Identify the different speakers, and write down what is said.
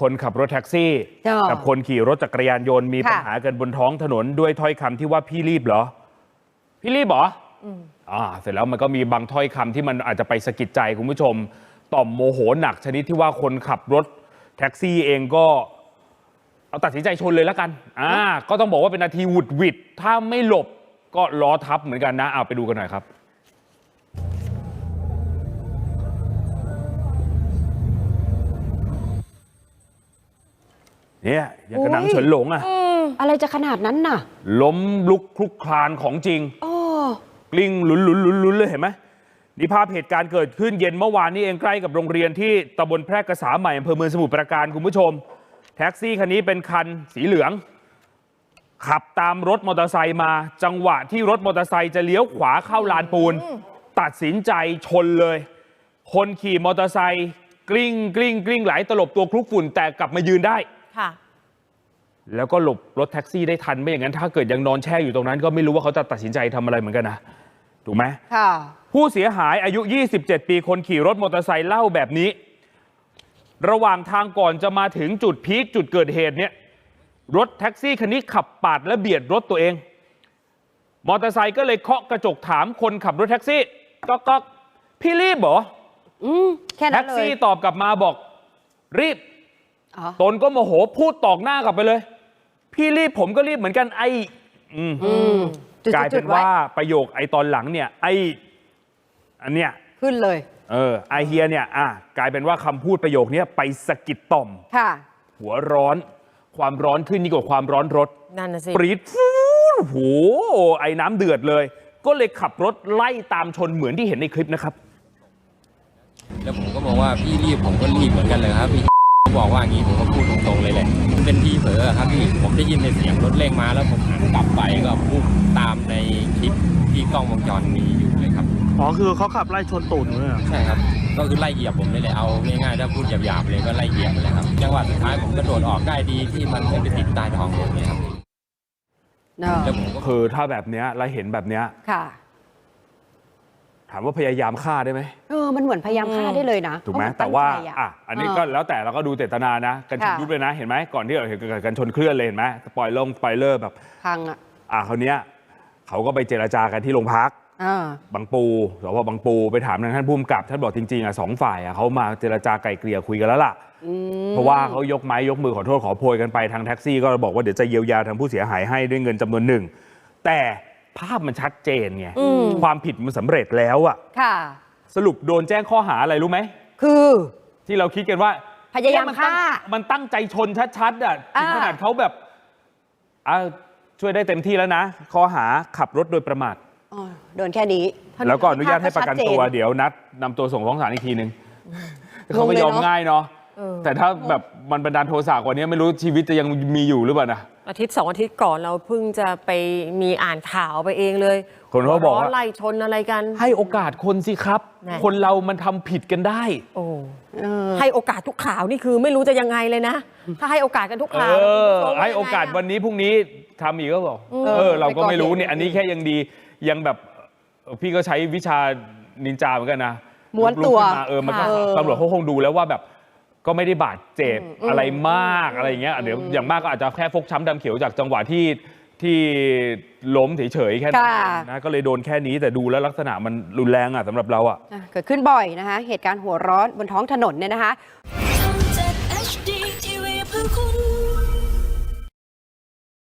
Speaker 1: คนขับรถแท็กซี่กับคนขี่รถจักรยานยนต์มีปัญหากันบนท้องถนนด้วยถ้อยคำที่ว่าพี่รีบเหรอพี่รีบเหรอเสร็จแล้วมันก็มีบางถ้อยคำที่มันอาจจะไปสะกิดใจคุณผู้ชมต่อมโมโหหนักชนิดที่ว่าคนขับรถแท็กซี่เองก็เอาตัดสินใจชนเลยแล้วกันก็ต้องบอกว่าเป็นนาทีหวุดหวิดถ้าไม่หลบก็ล้อทับเหมือนกันนะเอาไปดูกันหน่อยครับเนี่ยอย่างกระหนังเฉินหลง
Speaker 2: อะไรจะขนาดนั้นน่ะ
Speaker 1: ล้มลุกคลุกคลานของจริงกลิ้งหลุนเลยเห็นไหมนี่ภาพเหตุการณ์เกิดขึ้นเย็นเมื่อวานนี้เองใกล้กับโรงเรียนที่ตำบลแพร่กษาใหม่อำเภอเมืองสมุทรปราการคุณผู้ชมแท็กซี่คันนี้เป็นคันสีเหลืองขับตามรถมอเตอร์ไซค์มาจังหวะที่รถมอเตอร์ไซค์จะเลี้ยวขวาเข้าลานปูนตัดสินใจชนเลยคนขี่มอเตอร์ไซค์กลิ้งไหลตลบตัวคลุกฝุ่นแต่กลับมายืนได้แล้วก็หลบรถแท็กซี่ได้ทันไม่อย่างนั้นถ้าเกิดยังนอนแช่อยู่ตรงนั้นก็ไม่รู้ว่าเขาจะตัดสินใจทำอะไรเหมือนกันนะถูกไหมผู้เสียหายอายุ27ปีคนขี่รถมอเตอร์ไซค์เล่าแบบนี้ระหว่างทางก่อนจะมาถึงจุดพีคจุดเกิดเหตุเนี่ยรถแท็กซี่คันนี้ขับปาดและเบียดรถตัวเองมอเตอร์ไซค์ก็เลยเคาะกระจกถามคนขับรถแท็กซี่ก็พี่รีบเหรอ
Speaker 2: แค่นั้นเลย
Speaker 1: แท็กซี่ตอบกลับมาบอกรีบตนก็โมโหพูดตอกหน้ากลับไปเลยพี่รีบผมก็รีบเหมือนกันกลายเป็นว่าประโยคตอนหลังเนี่ยอันเนี้ย
Speaker 2: ขึ้นเลย
Speaker 1: ไอเฮียเนี่ยกลายเป็นว่าคำพูดประโยคนี้ไปสะกิดต่อมหัวร้อนความร้อนขึ้นยิ่งกว่าความร้อนรถ
Speaker 2: นั่นน่ะสิ
Speaker 1: ปรี๊ดโหไอน้ำเดือดเลยก็เลยขับรถไล่ตามชนเหมือนที่เห็นในคลิปนะครับ
Speaker 3: แล้วผมก็บอกว่าพี่รีบผมก็รีบเหมือนกันเลยครับพี่บอกว่าอย่างนี้ผมก็พูดตรงๆเลยแหละมันเป็นพี่เผลอครับพี่ผมได้ยินในเสียงรถเร่งมาแล้วผมหันกลับไปก็พุ่งตามในคลิปที่กล้องวงจรมีอยู่เลยครับ
Speaker 4: คือเขาขับไล่ชนตูดเลย
Speaker 3: ใช่ครับก็คือไล่เหยียบผมเลยเอาง่ายๆถ้าพูดหยาบๆเลยก็ไล่เหยียบเลยครับจังหวะสุดท้ายผมกระโดดออกได้ดีที่มันไม่ไปติดใต้ท้องรถเลยครับ
Speaker 1: แล้วผมก็คือถ้าแบบเนี้ยแล้วเห็นแบบเนี้ยถามว่าพยายามฆ่าได้ไหม
Speaker 2: มันเหมือนพยายามฆ่าได้เลยนะ
Speaker 1: ถูกไหมแต่ว่าอันนี้ก็แล้วแต่เราก็ดูเจตนานะกันชนยุบเลยนะเห็นไหมก่อนที่เราเห็นกันชนเคลื่อนเลยเห็นไหมสปอยเลอร์แบบ
Speaker 2: พัง
Speaker 1: คราวนี้เขาก็ไปเจรจากันที่โรงพักบางปูสพบางปูไปถามท่านผู้กำกับท่านบอกจริงๆ2 ฝ่ายเขามาเจรจาไกล่เกลี่ยคุยกันแล้วล่ะเพราะว่าเขายกไม้ยกมือขอโทษขอโพยกันไปทางแท็กซี่ก็บอกว่าเดี๋ยวจะเยียวยาทางผู้เสียหายให้ด้วยเงินจำนวนหนึ่งแต่ภาพมันชัดเจนไงความผิดมันสำเร็จแล้วสรุปโดนแจ้งข้อหาอะไรรู้ไหม
Speaker 2: คือ
Speaker 1: ที่เราคิดกันว่า
Speaker 2: พยายามฆ่า
Speaker 1: มันตั้งใจชนชัดๆถึงขนาดเขาแบบช่วยได้เต็มที่แล้วนะข้อหาขับรถโดยประมาท
Speaker 2: โดนแค่นี้
Speaker 1: แล้วก็อนุญาตให้ประกันตัวเดี๋ยวนัดนำตัวส่งฟ้องศาลอีกทีนึงเขาไม่ยอมง่ายเนาะแต่ถ้าแบบมันบันดาลโทสะกว่านี้ไม่รู้ชีวิตจะยังมีอยู่หรือเปล่านะ
Speaker 5: อาทิตย์2 อาทิตย์ก่อนเราเพิ่งจะไปมีอ่านข่าวไปเองเลย
Speaker 1: คนเขาบอกว่า
Speaker 5: ไล่ชนอะไรกัน
Speaker 1: ให้โอกาสคนสิครับคนเรามันทำผิดกันได้
Speaker 5: ให้โอกาสทุกข่าวนี่คือไม่รู้จะยังไงเลยนะถ้าให้โอกาสกันทุกข่าว
Speaker 1: ให้โอกาสวันนี้พรุ่งนี้ทำอีกก็บอกเราก็ไม่รู้เนี่ยอันนี้แค่ยังดียังแบบพี่ก็ใช้วิชานินจาเหมือนกันนะ
Speaker 2: ม้วนตัว
Speaker 1: มันก็ตำรวจเขาคงดูแล้วว่าแบบก็ไม่ได้บาดเจ็บอะไรมากอะไรอย่างเงี้ยเดี๋ยวอย่างมากก็อาจจะแค่ฟกช้ำดำเขียวจากจังหวะที่ล้มเฉยๆแค่นั้นนะก็เลยโดนแค่นี้แต่ดูแล้วลักษณะมันรุนแรงสำหรับเรา
Speaker 2: เกิดขึ้นบ่อยนะคะเหตุการณ์หัวร้อนบนท้องถนนเนี่ยนะคะ